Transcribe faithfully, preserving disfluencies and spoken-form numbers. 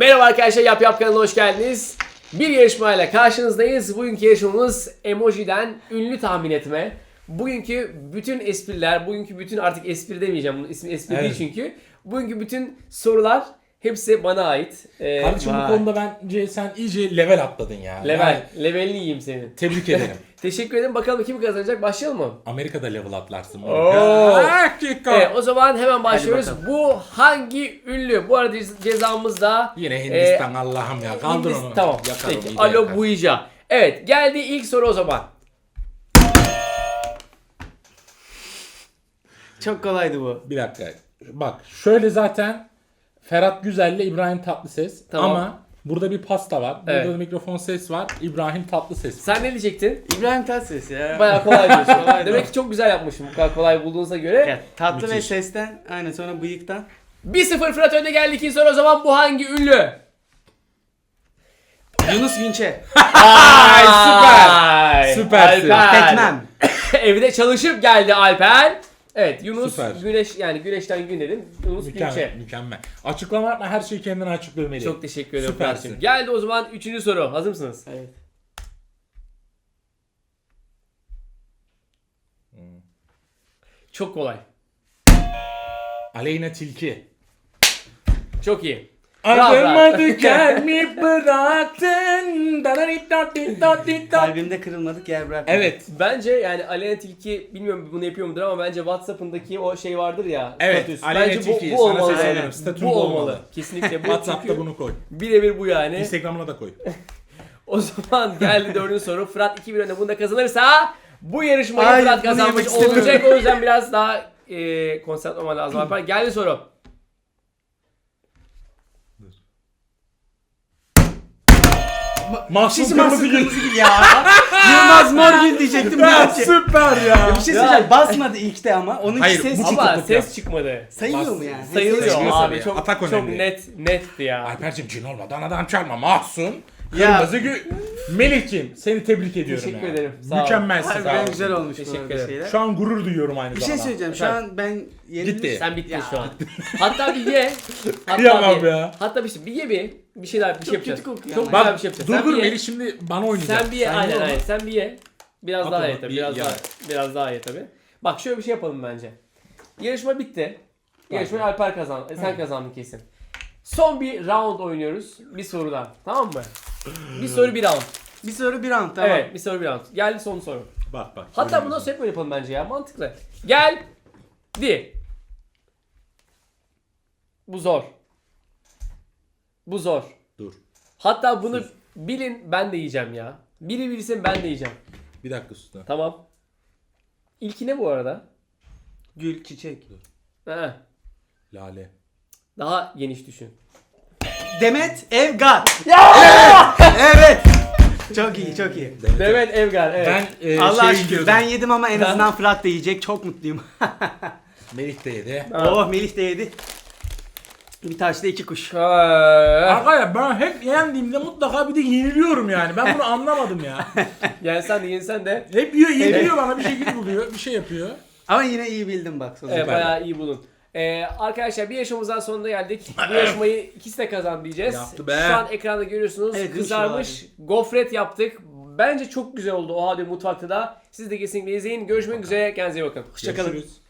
Merhaba arkadaşlar, Yap Yap kanalına hoş geldiniz. Bir yarışmayla karşınızdayız. Bugünkü yarışmamız emojiden ünlü tahmin etme. Bugünkü bütün espriler, bugünkü bütün artık espri demeyeceğim, bunun ismi espri Evet. değil çünkü. Bugünkü bütün sorular hepsi bana ait. Ee, Kardeşim bu vay. konuda bence sen iyice level atladın ya. Level, Yani levelini yiyeyim senin. tebrik ederim. Teşekkür ederim. Bakalım kim kazanacak? Başlayalım mı? Amerika'da level atlarsın. Oo. Dakika. Evet, o zaman hemen başlıyoruz. bakalım. Bu hangi ünlü? Bu arada cezamız da Yine Hindistan Allah'ım ya. Kaldır Hindistan- onu. Tamam. Yakarım, Peki. iyi de Alo yakar. Buija. Evet, geldi ilk soru o zaman. Çok kolaydı bu. Bir dakika. Bak şöyle zaten Ferhat Güzel'le İbrahim Tatlıses. Tamam. Ama burada bir pasta var. Burada Evet. da mikrofon ses var. İbrahim Tatlıses. Sen ne diyecektin? İbrahim Tatlıses ya. Bayağı kolay diyorsun. Kolaydı Demek o. ki çok güzel yapmışım bu kadar kolay bulduğunuza göre. Ya, tatlı ve Müthiş. sesten, aynen sonra bıyıktan. bir sıfır Fırat önde geldi. İkinci soru o zaman bu hangi ünlü? Yunus Günçe. Ay süper. Süpersin. Alper. Tekmem. Evde çalışıp geldi Alper. Evet, Yunus Süper. Güneş, yani Güneş'ten Günler'in Yunus Mükemmel. Günçe. Mükemmel. Açıklama yapma, her şeyi kendine açıklamalıyım. Çok teşekkür ederim Süpersin. Fırat'cığım. Geldi o zaman üçüncü soru. Hazır mısınız? Evet. Çok kolay. Aleyna Tilki. Çok iyi. Bravo, Adıma bravo. dikenimi bıraktın. Kalbimde kırılmadık yer bırakmadım. Evet. Bence yani Aleyna Tilki, bilmiyorum bunu yapıyor mudur ama bence WhatsApp'ındaki o şey vardır ya. Evet, statüs. Aleyna Bence Tilki, bu, bu sana olmalı. sesleniyorum. Yani. Statün Bu bu olmalı. olmalı. Kesinlikle bu. WhatsApp'ta Çünkü bunu koy. birebir bu yani. Instagram'ına da koy. O zaman geldi dördüncü soru. Fırat iki bir önde, bunu da kazanırsa bu yarışmayı Hayır, Fırat bunu kazanmış yemek istemiyorum. olacak. O yüzden biraz daha e, konsantre olman lazım Alper. Geldi soru. Mahsun Şişi Kırmızı Mahsun Gül. Kırmızı Gül ya. Yılmaz Morgül diyecektim. Ya Ya, bir süper ya. şey söyleyeceğim. Basmadı ilkte ama. Onunki Hayır, ses bu çıktı. Ama tutukluk ses ya. çıkmadı. Sayılıyor mu yani? Sayılıyor Sayılıyor abi. tabii. Çok, Atak çok önemli. net netti ya. Alper'cim cin olmadan adam çalma. Mahsun Ya. Kırmızı Gül. Melih'ciğim seni tebrik ediyorum Teşekkür ya. ederim, sağ ol. Mükemmelsin. sağ Harbiden ol. güzel olmuş bu Teşekkür arada ederim. şeyler. Şu an gurur duyuyorum aynı Bir şey zamanda. söyleyeceğim. Şu Efendim? an ben yenilmiş. Gitti. Sen bittin Ya. şu an. Hatta bir ye. Hatta Kıyamam bir, ya. Hatta bir şey, bir ye bir. Bir şey daha bir şey Çok yapacağız. kötü kokuyor Çok ama. güzel Bak bir şey yapacağız. dur Sen dur bir ye. Melih şimdi bana oynayacak. Sen bir ye. Aynen ye onu. aynen. Sen bir ye. Biraz At daha onu, ye tabii. bir Biraz ye. daha, biraz daha ye tabii. Bak şöyle bir şey yapalım bence. Yarışma bitti. Yarışmayı Alper kazandı. Sen kazandın kesin. Son bir round oynuyoruz. Bir sorudan. Tamam mı? Bir soru bir round. Bir soru bir round tamam. Evet, bir soru bir round. Geldi son soru. Bak bak. Hatta bunu nasıl hep böyle yapalım bence ya. Mantıklı. Geldi. Bu zor. Bu zor. Dur. Hatta bunu bilin, ben de yiyeceğim ya. Biri bilsin, ben de yiyeceğim. Bir dakika usta. Tamam. İlki ne bu arada? Gül, çiçek. He. Lale. Daha geniş düşün. Demet Evgar. Evet. Çok iyi, çok iyi. Demet Evgar, evet. Ben e, Allah şey aşkına diyordum. ben yedim ama en azından Fırat da yiyecek. Çok mutluyum. Melih de yedi. Ha. Oh Melih de yedi. Bir taşla iki kuş. Ha. Arkadaşlar ben hep yendiğimde mutlaka bir de yeniliyorum yani. Ben bunu anlamadım ya. Yensen de yensen de. Hep yiyor, yeniliyor bana bir şekilde buluyor, bir şey yapıyor. Ama yine iyi bildim bak. Sonunda. Evet, bayağı iyi bulun. Ee, arkadaşlar bir yarışmamızdan sonuna geldik. Bu yarışmayı ikisi de kazan diyeceğiz. Yaptı be. Şu an ekranda görüyorsunuz. Evet, kızarmış gofret yaptık. Bence çok güzel oldu o halde mutfakta da. Siz de kesinlikle izleyin. Görüşmek üzere. Kendinize iyi bakın. Hoşçakalın. Görüşürüz.